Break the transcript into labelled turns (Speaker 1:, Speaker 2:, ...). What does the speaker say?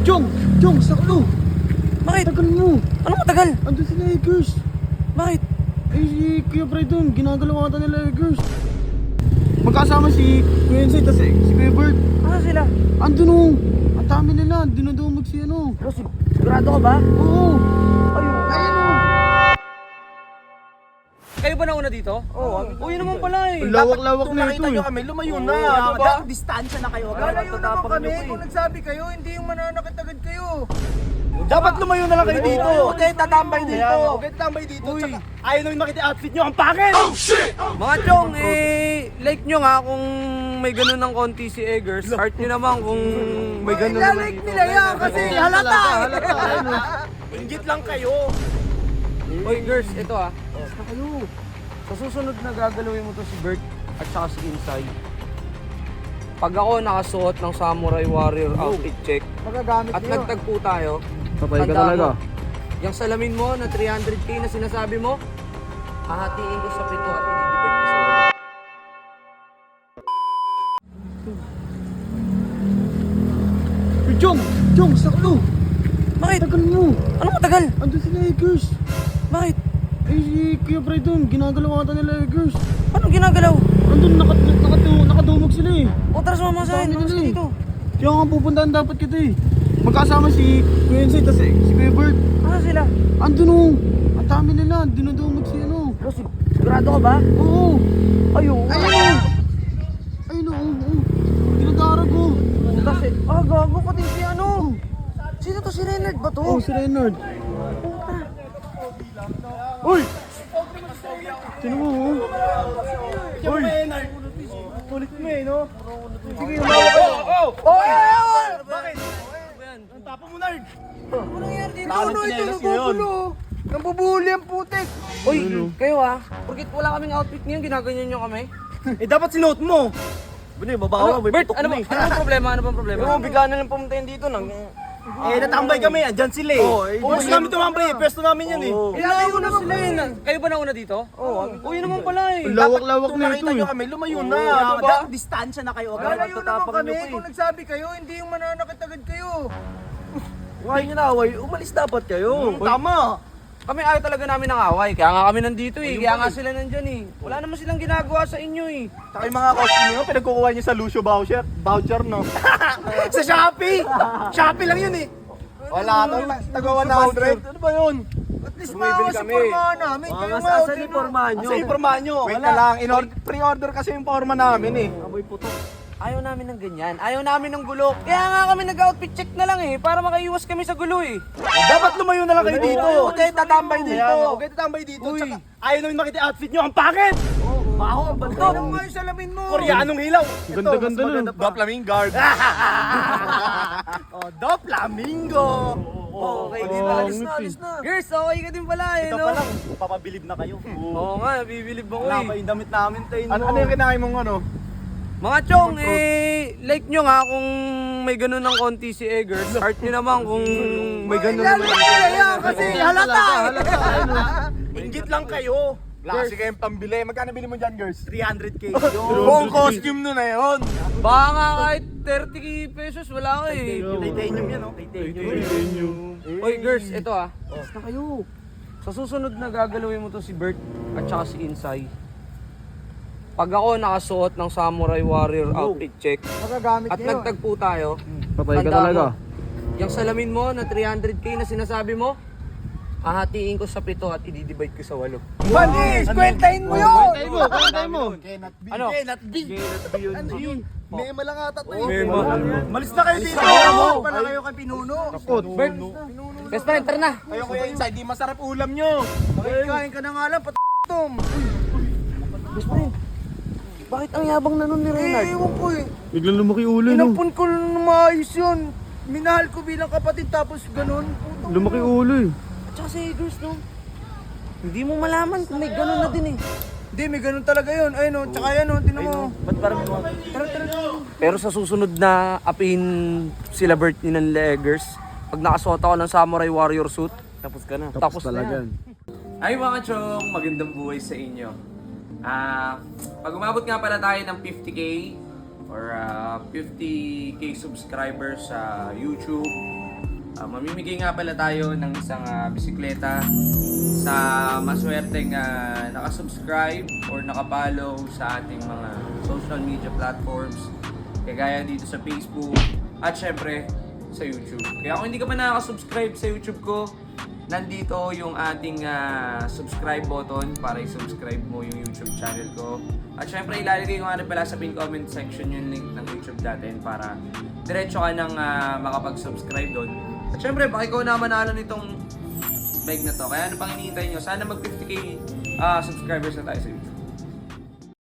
Speaker 1: Jong! Jong, sakto!
Speaker 2: Bakit?
Speaker 1: Tagal mo!
Speaker 2: Ano matagal?
Speaker 1: Andun sila Eggers!
Speaker 2: Bakit?
Speaker 1: Eh si Kuya Fred dun, ginagalaw ata nila Eggers. Magkasama si Kuya Insay, tas si Kuya Bert.
Speaker 2: Ano sila?
Speaker 1: Andun o! Ang dami nila, dinudumog si ano.
Speaker 2: Pero sigurado ka ba?
Speaker 1: Oo!
Speaker 2: Ayun.
Speaker 1: Ayun o!
Speaker 2: Kayo ba nauna dito? Oo. Uy naman pala eh.
Speaker 1: Ang lawak-lawak na ito
Speaker 3: nakita nyo
Speaker 1: eh.
Speaker 3: kami, lumayo na.
Speaker 2: diba?
Speaker 3: Distansya na kayo.
Speaker 4: Lalayo naman kami
Speaker 3: eh.
Speaker 4: kung nagsabi kayo, hindi yung mananakit agad kayo.
Speaker 3: Dapat lumayo na lang kayo dito.
Speaker 4: Okay, tatambay dito.
Speaker 3: Okay, tambay dito. Tsaka, ayaw nyo makita yung outfit nyo. Ang pangit!
Speaker 2: Mga chong, like nyo nga kung may ganun ng konti si Eggers. Heart nyo naman kung may ganun naman
Speaker 4: Ilalike
Speaker 2: dito.
Speaker 4: nila yan kasi halata.
Speaker 3: Inggit lang kayo.
Speaker 2: Oy girls, ito ah. Basta kayo. Sa susunod na gagalawin mo to si Bert at saka si Insay. Pag ako nakasuot ng Samurai Warrior outfit check
Speaker 4: Magagamit
Speaker 2: at
Speaker 4: niyo.
Speaker 2: nagtagpo tayo,
Speaker 1: Patay ka
Speaker 2: tandaan
Speaker 1: talaga.
Speaker 2: mo, yung salamin mo na 300k na sinasabi mo, hahatiin ko sa pito at i-divide ko sa walo.
Speaker 1: Jong! Jong, sakto!
Speaker 2: Bakit?
Speaker 1: Tagal mo!
Speaker 2: Ano matagal?
Speaker 1: Andun sila Eggers.
Speaker 2: Bakit?
Speaker 1: Eh si Kuya Fred dun, ginagalaw ata nila Eggers.
Speaker 2: Anong ginagalaw?
Speaker 1: Andun, nakadumog sila eh.
Speaker 2: O tara sumama sa akin,
Speaker 1: Dami
Speaker 2: mas
Speaker 1: nila eh.
Speaker 2: dito.
Speaker 1: Kaya nga pupuntahan dapat kita eh. Magkasama si Kuya Insay, tas si Kuya Bert.
Speaker 2: Ano sila?
Speaker 1: Andun o! Ang dami nila, dinudumog si ano.
Speaker 2: Pero sigurado ka ba?
Speaker 1: Oo!
Speaker 2: Ayun.
Speaker 1: Ayun o! Ayun o! Dinadarag o!
Speaker 2: Kasi, gago pati si ano. Sino to, si Renard ba to?
Speaker 1: Oh, si Renard. Uy! Sino mo oh?
Speaker 3: Uy! Kulit mo eh, no?
Speaker 4: Sige, umawa kayo. Oh!
Speaker 3: Bakit? Ang tapo mo, nerd!
Speaker 2: Ano nangyari dito?
Speaker 4: Ano ito, nagugulo. Nambubuli ang putik.
Speaker 2: Uy, kayo porkit wala kaming outfit ngayon, ginaganyan nyo kami.
Speaker 3: Eh, dapat sinuot mo. Bune, babawa.
Speaker 2: Bert, ano bang problema? Ano bang problema?
Speaker 3: Ano, bigla na lang pumunta yun dito nang... natambay kami, andyan sila eh. Pwesto namin tumambay eh, pwesto namin yan eh.
Speaker 2: Ilayo na sila eh. Kayo ba nauna dito? Oo. Uy naman pala eh.
Speaker 1: Ang lawak-lawak
Speaker 3: Kung
Speaker 1: na ito
Speaker 3: nakita
Speaker 1: eh.
Speaker 3: nyo kami, lumayo na.
Speaker 4: diba?
Speaker 3: Distansya na kayo.
Speaker 4: Lalayo naman kami
Speaker 3: eh.
Speaker 4: kung nagsabi kayo, hindi yung mananakit agad kayo.
Speaker 3: Huwag nyo na away, umalis dapat kayo. Tama.
Speaker 2: Kami ayaw talaga namin ng away. Kaya nga kami nandito eh. Kaya nga sila nandyan eh. Wala naman silang ginagawa sa inyo eh.
Speaker 3: Saka yung mga costume nyo, pinagkukuha nyo sa Lucio voucher no? Sa Shopee! Shopee lang yun eh! Wala to, taga 100. Ano ba yun?
Speaker 4: At least maawa sa pormahan namin. Kayo nga,
Speaker 3: Asan yung pormahan nyo? Asan yung pormahan nyo? Wait na lang, pre-order kasi yung porma namin eh. Aboy puto.
Speaker 2: Ayaw namin ng ganyan. Ayaw namin ng gulo. Kaya nga kami nag-outfit check na lang eh. Para makaiwas kami sa gulo eh.
Speaker 3: Dapat lumayo na lang kayo dito.
Speaker 4: Okay, tatambay dito.
Speaker 3: Okay, tatambay dito. Tsaka, ayaw namin makita yung outfit nyo. Ang pangit! Baho, ang
Speaker 4: Ito
Speaker 3: bantot.
Speaker 4: nga yung salamin mo.
Speaker 3: Koreanong hilaw.
Speaker 1: Ganda-ganda nun.
Speaker 3: Doflamingo. Oh, Doflamingo.
Speaker 2: Okay,
Speaker 1: dito, alis
Speaker 4: na.
Speaker 2: Girls, okay ka din pala eh,
Speaker 3: Ito
Speaker 2: no?
Speaker 3: pa lang, papabilib na kayo.
Speaker 2: Oo nga, bibilib ako
Speaker 3: Wala
Speaker 2: eh.
Speaker 3: pa yung damit namin tayo. Ano yung kinain mong ano?
Speaker 2: Mga chong, like nyo nga kung may ganun ng konti si Eggers. Heart nyo naman kung may ganun naman.
Speaker 4: Ilalike nila yan kasi halata.
Speaker 3: Inggit lang kayo. Wala kasi kayong pambili. Magkano bili mo dyan, girls? 300k. Buong costume nun na yun.
Speaker 2: Baka nga kahit 30 pesos, wala ko eh.
Speaker 3: Titanium yan, no? Titanium.
Speaker 2: Oy girls, ito Basta kayo. Sa susunod na gagalawin mo to si Bert at saka si Insay. Pag ako nakasuot ng Samurai Warrior outfit check
Speaker 4: Magagamit
Speaker 2: at
Speaker 4: niyo.
Speaker 2: nagtagpo tayo,
Speaker 1: Patay ka
Speaker 2: tandaan
Speaker 1: talaga.
Speaker 2: mo, yung salamin mo na 300k na sinasabi mo, hahatiin ko sa pito at i-divide ko sa 8.
Speaker 4: Manis, kwentahin mo yun.
Speaker 1: Kwentay mo!
Speaker 2: Ano?
Speaker 3: Cannot be.
Speaker 4: Ano yun? Mema lang ata to eh.
Speaker 2: Mema.
Speaker 3: Malis na kayo dito.
Speaker 4: Pala kayo kay Pinuno.
Speaker 2: Bert, best friend, tara na.
Speaker 3: Kayo kuya inside, di masarap ulam nyo.
Speaker 4: Kain ka na nga lang, patom.
Speaker 2: Best friend, bakit ang yabang na nun ni Renard?
Speaker 4: Ewan ko eh.
Speaker 1: Biglang lumaki ulo no.
Speaker 4: Inampun ko na maayos yun. Minahal ko bilang kapatid tapos ganun.
Speaker 1: Lumaki ulo eh.
Speaker 2: At saka si Eggers, no? Hindi mo malaman kung may ganun na din eh.
Speaker 4: Hindi, may ganun talaga yun. Ayun o, tsaka yan o, tinan mo.
Speaker 3: Ba't parang
Speaker 4: Tara, tara, tara.
Speaker 2: Pero sa susunod na apihin sila Bert ni ng Eggers, pag nakasuot ako ng Samurai Warrior suit,
Speaker 3: tapos ka na.
Speaker 2: tapos na
Speaker 1: talaga.
Speaker 2: yan. Ay mga chong, magandang buhay sa inyo. Pag umabot nga pala tayo ng 50k or 50k subscribers sa YouTube, Mamimigay nga pala tayo ng isang bisikleta sa maswerteng nakasubscribe or nakapollow sa ating mga social media platforms. Kagaya dito sa Facebook at syempre sa YouTube. Kaya kung hindi ka pa nakasubscribe sa YouTube ko, nandito yung ating subscribe button para i-subscribe mo yung YouTube channel ko. At syempre ilalagay ko nga rin pala sa pin comment section yung link ng YouTube natin para diretso ka nang makapag-subscribe doon. At syempre baka ikaw na manalo nitong bike na to. Kaya ano pang hinihintay nyo? Sana mag 50k subscribers na tayo sa YouTube.